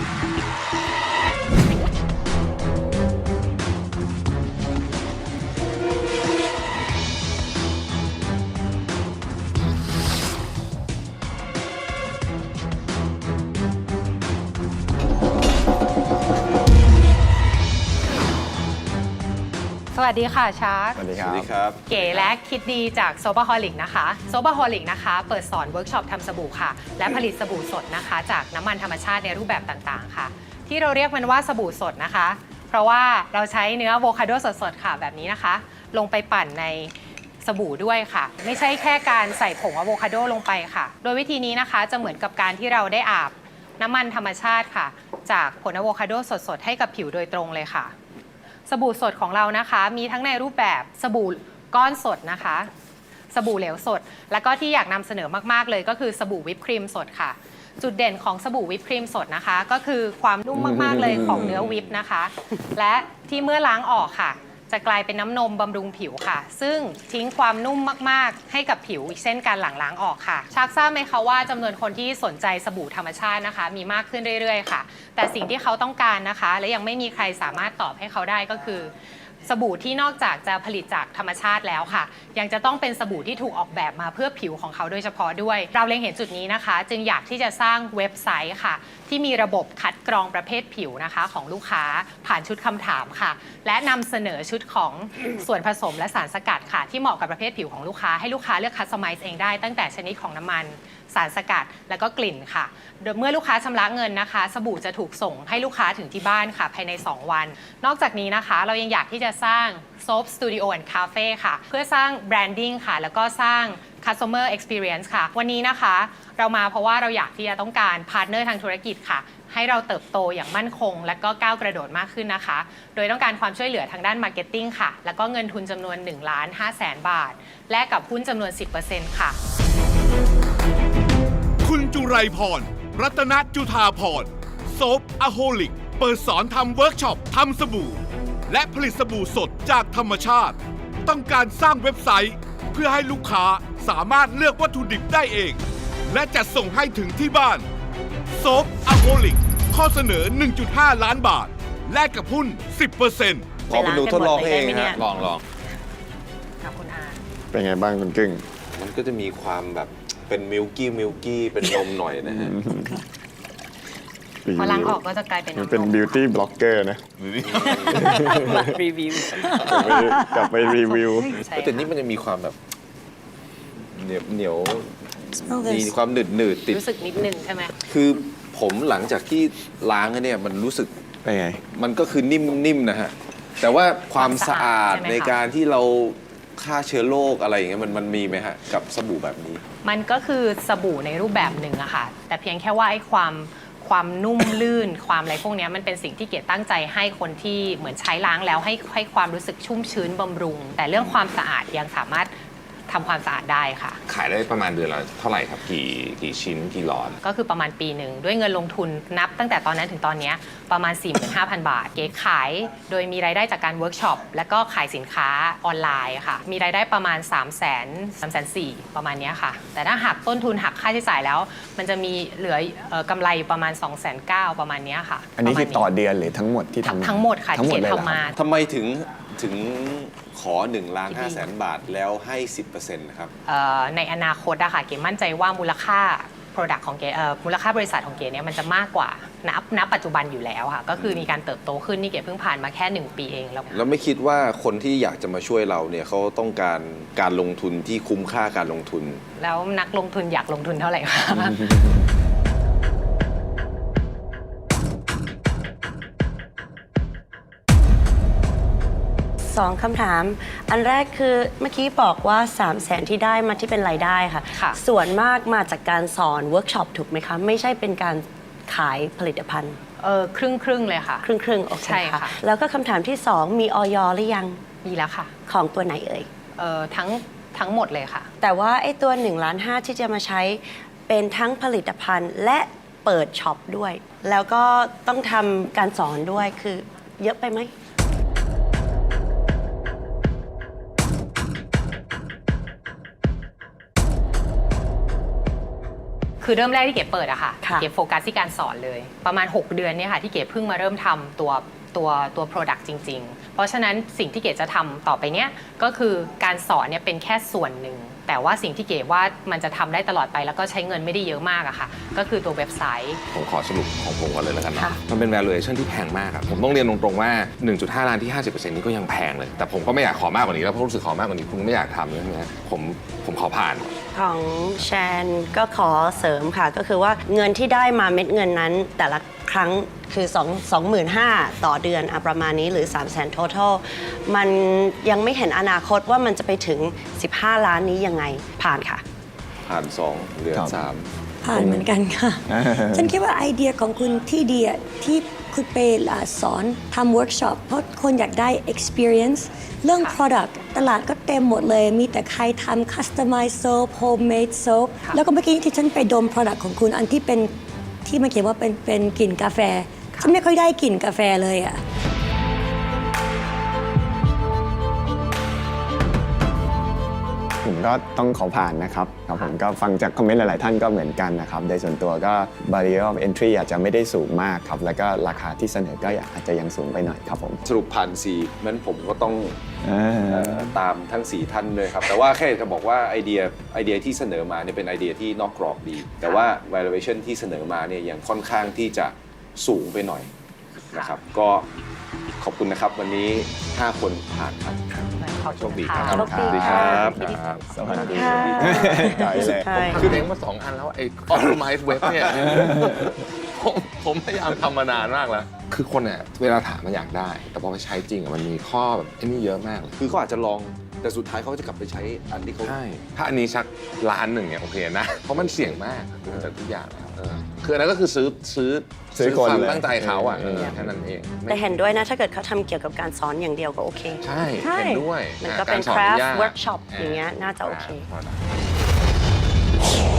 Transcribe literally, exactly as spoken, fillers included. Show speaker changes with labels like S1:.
S1: สวัสดีค่ะชาร์ก
S2: สวัสดี
S3: ส
S2: ครั
S3: วั
S2: บ
S3: สดีครับ
S1: เก๋และคิดดีจากโซบาฮอลิกนะคะโซบาฮอลิกนะคะเปิดสอนเวิร์กช็อปทำสบู่ค่ะและผลิตสบู่สดนะคะจากน้ำมันธรรมชาติในรูปแบบต่างๆค่ะที่เราเรียกมันว่าสบู่สดนะคะเพราะว่าเราใช้เนื้ออะโวคาโดสดๆค่ะแบบนี้นะคะลงไปปั่นในสบู่ด้วยค่ะไม่ใช่แค่การใส่ผงอะโวคาโดลงไปค่ะโดยวิธีนี้นะคะจะเหมือนกับการที่เราได้อาบน้ำมันธรรมชาติค่ะจากผลอะโวคาโดสดๆให้กับผิวโดยตรงเลยค่ะสบู่สดของเรานะคะมีทั้งในรูปแบบสบู่ก้อนสดนะคะสบู่เหลวสดแล้วก็ที่อยากนำเสนอมากๆเลยก็คือสบู่วิปครีมสดค่ะจุดเด่นของสบู่วิปครีมสดนะคะก็คือความนุ่มมากๆเลยของเนื้อวิปนะคะและที่เมื่อล้างออกค่ะจะกลายเป็นน้ำนมบำรุงผิวค่ะซึ่งทิ้งความนุ่มมากๆให้กับผิวอีกเช่นการหลังล้างออกค่ะชักทราบไหมคะว่าจำนวนคนที่สนใจสบู่ธรรมชาตินะคะมีมากขึ้นเรื่อยๆค่ะแต่สิ่งที่เขาต้องการนะคะและยังไม่มีใครสามารถตอบให้เขาได้ก็คือสบู่ที่นอกจากจะผลิตจากธรรมชาติแล้วค่ะยังจะต้องเป็นสบู่ที่ถูกออกแบบมาเพื่อผิวของเขาโดยเฉพาะด้วยเราเล็งเห็นจุดนี้นะคะจึงอยากที่จะสร้างเว็บไซต์ค่ะที่มีระบบคัดกรองประเภทผิวนะคะของลูกค้าผ่านชุดคำถามค่ะและนำเสนอชุดของ ส่วนผสมและสารสกัดค่ะที่เหมาะกับประเภทผิวของลูกค้าให้ลูกค้าเลือกคัสตอมไมซ์เองได้ตั้งแต่ชนิดของน้ำมันสารสกัดและก็กลิ่นค่ะโดยเมื่อลูกค้าชำระเงินนะคะสบู่จะถูกส่งให้ลูกค้าถึงที่บ้านค่ะภายในสองวันนอกจากนี้นะคะเรายังอยากที่จะสร้าง Soap Studio and Cafe ค่ะเพื่อสร้างแบรนดิ้งค่ะแล้วก็สร้าง Customer Experience ค่ะวันนี้นะคะเรามาเพราะว่าเราอยากที่จะต้องการพาร์ทเนอร์ทางธุรกิจค่ะให้เราเติบโตอย่างมั่นคงและก็ก้าวกระโดดมากขึ้นนะคะโดยต้องการความช่วยเหลือทางด้านมาร์เก็ตติ้งค่ะแล้วก็เงินทุนจำนวนหนึ่งล้านห้าแสนบาทแลกกับหุ้นจำนวน สิบเปอร์เซ็นต์ ค่ะ
S4: คุณจุไรพร รัตนจุธาพรโซฟอะโฮลิกเปิดสอนทำเวิร์กช็อปทำสบู่และผลิตสบู่สดจากธรรมชาติต้องการสร้างเว็บไซต์เพื่อให้ลูกค้าสามารถเลือกวัตถุดิบได้เองและจัดส่งให้ถึงที่บ้านโซฟอะโฮลิกข้อเสนอ หนึ่งจุดห้า ล้านบาทแลกกับหุ้น สิบเปอร์เซ็นต์
S3: ขอไปดูทดลองให้เอง
S1: ไปล้างกันหมดเลยได้ไหมเนี่
S3: ฮะ
S1: ย
S3: ลองลอง
S1: ค่ะคุณอา
S2: เป็นไงบ้างคุณกึ้ง
S3: มันก็จะมีความแบบเป็นมิลกี้มิลกี้เป็นนมหน่อยนะฮะ
S1: พอล้างออกก็จะกลายเป็น
S2: มัน
S1: น้ำ
S2: เป็น
S1: นม
S2: บิวตี้บล็อกเกอร์นะ
S1: รีวิว
S2: กลับไปกลับไปรีวิว
S1: ใช่
S3: แต่นี่มันจะมีความแบบเหนียวเหนียวมีความหนืดหนืดติด
S1: รู้สึกนิดนึงใช่ไหม
S3: คือผมหลังจากที่ล้างเนี่ยมันรู้สึก
S2: เป็นไง
S3: มันก็คือนิ่มนิ่มนะฮะแต่ว่าความสะอาด
S1: ใช่ไหมคะ
S3: ในการที่เราฆ่าเชื้อโรคอะไรอย่างเงี้ยมันมันมีไหมฮะกับสบู่แบบนี้
S1: มันก็คือสบู่ในรูปแบบหนึ่งอะค่ะแต่เพียงแค่ว่าไอ้ความความนุ่มลื่น ความอะไรพวกเนี้ยมันเป็นสิ่งที่เกดตั้งใจให้คนที่เหมือนใช้ล้างแล้วให้ให้ความรู้สึกชุ่มชื้นบำรุง แต่เรื่องความสะอาดยังสามารถทำความสะอาดได้ค่ะ
S5: ขายได้ประมาณเดือนละเท่าไหร่ครับ กี่กี่ชิ้นกี่หลอด
S1: ก็คือประมาณปีหนึ่งด้วยเงินลงทุนนับตั้งแต่ตอนนั้นถึงตอนนี้ประมาณ สี่หมื่นห้าพัน บาท เก๋ขายโดยมีรายได้จากการเวิร์กช็อปและก็ขายสินค้าออนไลน์ค่ะมีรายได้ประมาณ สามแสน สามแสนสี่ ประมาณนี้ค่ะแต่ถ้าหักต้นทุนหักค่าใช้จ่ายแล้ว มันจะมีเหลือเอ่อกำไรอยู่ประมาณ สองแสนเก้า ประมาณนี้ค่ะ
S2: อันนี้คือต่อ
S1: ประมาณ
S2: เดือนหรือทั้งหมดที่ทำ
S1: ทั้งหมดค่ะ
S2: ทั้งหมด
S1: ที่
S2: เลย
S1: เก
S2: เหรอ
S1: ทำมา
S3: ทำไมถึงถึงขอ1ล้านห้าแสนบาทแล้วให้ สิบเปอร์เซ็นต์ นะครับ
S1: เอ่อในอนาคตอะค่ะเก๋มั่นใจว่ามูลค่า Product ของเก๋เอ่อมูลค่าบริษัทของเก๋เนี่ยมันจะมากกว่าณณปัจจุบันอยู่แล้วค่ะก็คือมีการเติบโตขึ้นนี่เก๋เพิ่งผ่านมาแค่หนึ่งปีเองแล้ว
S3: แล้วไม่คิดว่าคนที่อยากจะมาช่วยเราเนี่ยเขาต้องการการลงทุนที่คุ้มค่าการลงทุน
S1: แล้วนักลงทุนอยากลงทุนเท่าไหร่คะ
S6: สองคำถาม อันแรกคือเมื่อกี้บอกว่า สามแสน ที่ได้มาที่เป็นรายได้ค่ะ
S1: ค่ะ
S6: ส่วนมากมาจากการสอนเวิร์กช็อปถูกไหมคะ ไม่ใช่เป็นการขายผลิตภัณฑ์
S1: เออครึ่งครึ่งๆเลยค่ะ
S6: ครึ่งครึ่งๆโอเค
S1: ใช่ค่ะ
S6: ค่ะ แล้วก็คำถามที่สองมีออยหรือยัง
S1: มีแล้วค่ะ
S6: ของตัวไหนเอ่ย
S1: เออทั้งทั้งหมดเลยค่ะ
S6: แต่ว่าไอ้ตัวหนึ่งล้านห้าที่จะมาใช้เป็นทั้งผลิตภัณฑ์และเปิดช็อปด้วย แล้วก็ต้องทำการสอนด้วยคือเยอะไปไหม
S1: คือเริ่มแรกที่เก๋เปิดอะค่ะ
S6: ค่ะ
S1: เก๋โฟกัสที่การสอนเลย ประมาณ หก เดือนเนี่ยค่ะที่เก๋เพิ่งมาเริ่มทำตัวตัวตัว Product จริง ๆ เพราะฉะนั้นสิ่งที่เก๋จะทำต่อไปเนี้ยก็คือการสอนเนี่ยเป็นแค่ส่วนหนึ่ง แต่ว่าสิ่งที่เก๋ว่ามันจะทำได้ตลอดไปแล้วก็ใช้เงินไม่ได้เยอะมากอะค่ะก็คือตัวเว็บไซต์
S5: ผมขอสรุปของผมก่อนเลยแล้วกันนะ
S6: ค่ะ
S5: มันเป็น valuation ที่แพงมากครับผมต้องเรียนตรงๆว่า หนึ่งจุดห้า ล้านที่ ห้าสิบเปอร์เซ็นต์ นี้ก็ยังแพงเลย แต่ผมก็ไม่อยากขอมากกว่านี้แล้วเพราะรู้สึกขอมากกว่านี้คุณไม่อยากทำใช่ไหมผมผมขอผ่าน
S6: ของแชนก็ขอเสริมค่ะ ก็คือว่าเงินที่ได้มาเม็ดเงินนั้น แต่ละครั้งคือ2 25,000 ต่อเดือนอะประมาณนี้หรือ สามแสน total มันยังไม่เห็นอนาคตว่ามันจะไปถึง สิบห้า ล้านนี้ยังไงผ่านค่ะ
S3: ผ่านสองเหลือ
S2: ครับ
S3: สาม
S7: ผ่านเหมือนกันค่ะ ฉันคิดว่าไอเดียของคุณที่ดีอะที่คุณไปอ่าสอนทำเวิร์กช็อปเพราะคนอยากได้ experience เรื่อง product ตลาดก็เต็มหมดเลย มีแต่ใครทำ customize soap homemade soap แล้วก็เมื่อกี้ที่ฉันไปดม product ของคุณอันที่เป็นที่มันเขียนว่าเป็นเป็นกลิ่นกาแฟ ฉันไม่ค่อยได้กลิ่นกาแฟเลยอะ
S2: ผมก็ต้องขอผ่านนะครับครับผมก็ฟังจากคอมเมนต์หลาย ๆ ท่านก็เหมือนกันนะครับโดยส่วนตัวก็ barrier of entry อาจจะไม่ได้สูงมากครับแล้วก็ราคาที่เสนอก็อาจจะยังสูงไปหน่อยครับผม
S3: สรุปผ่านสี่นั้นผมก็ต้อง
S2: อ่า
S3: เอ่อตามทั้ง สี่ ท่านเลยครับ แต่ว่าแค่จะบอกว่าไอเดียไอเดียที่เสนอมาเนี่ยเป็นไอเดียที่นอกกรอบดี แต่ว่า valuation ที่เสนอมาเนี่ยยังค่อนข้างที่จะสูงไปหน่อยนะครับ ก็ขอบคุณนะครับวันนี้ ห้า คนผ่านครับ
S1: ขอบ
S5: โช
S1: คุณ
S5: คดี
S1: ค่ะ
S5: ครับ
S6: โชคดี
S3: ดีครับ
S5: ครับ
S2: สวัสดี
S6: ค่ะ
S2: ใจเลย
S6: ใช่
S5: คือเลี้ยงมาสองอันแล้วไอ้ optimize web เนี่ย ผมผมพยายามทำมานานมากแล้ว คือคนเนี่ยเวลาถามมันอยากได้ แต่พอไปใช้จริงอะมันมีข้อแบบไอ้นี่เยอะมากเลย
S3: คือเขาอาจจะลองแต่สุดท้ายเขาจะกลับไปใช้อันที่เขา
S5: ใช่ ถ้าอันนี้ชักล้านหนึ่งเนี่ยโอเคนะ เพราะมันเสี่ยงมากจากทุกอย่างแล้วเออคืออันนั้นก็คือซื้อซื้อ
S2: ซื้อคน
S5: ความ
S2: เลย
S5: ตั้งใจเขาอ่ะ
S2: เออ
S5: เออแค่นั้นเองไม่
S6: แต่เห็นด้วยนะ ถ้าเกิดเขาทำเกี่ยวกับการสอนอย่างเดียวก็โอเค
S5: ใช่
S6: ใช่
S5: เห็นด้วย
S6: มันก็เป็น
S5: ารสอ
S6: craft
S5: ยาก
S6: workshop อย่างเงี้ยน่าจะโอเค
S5: า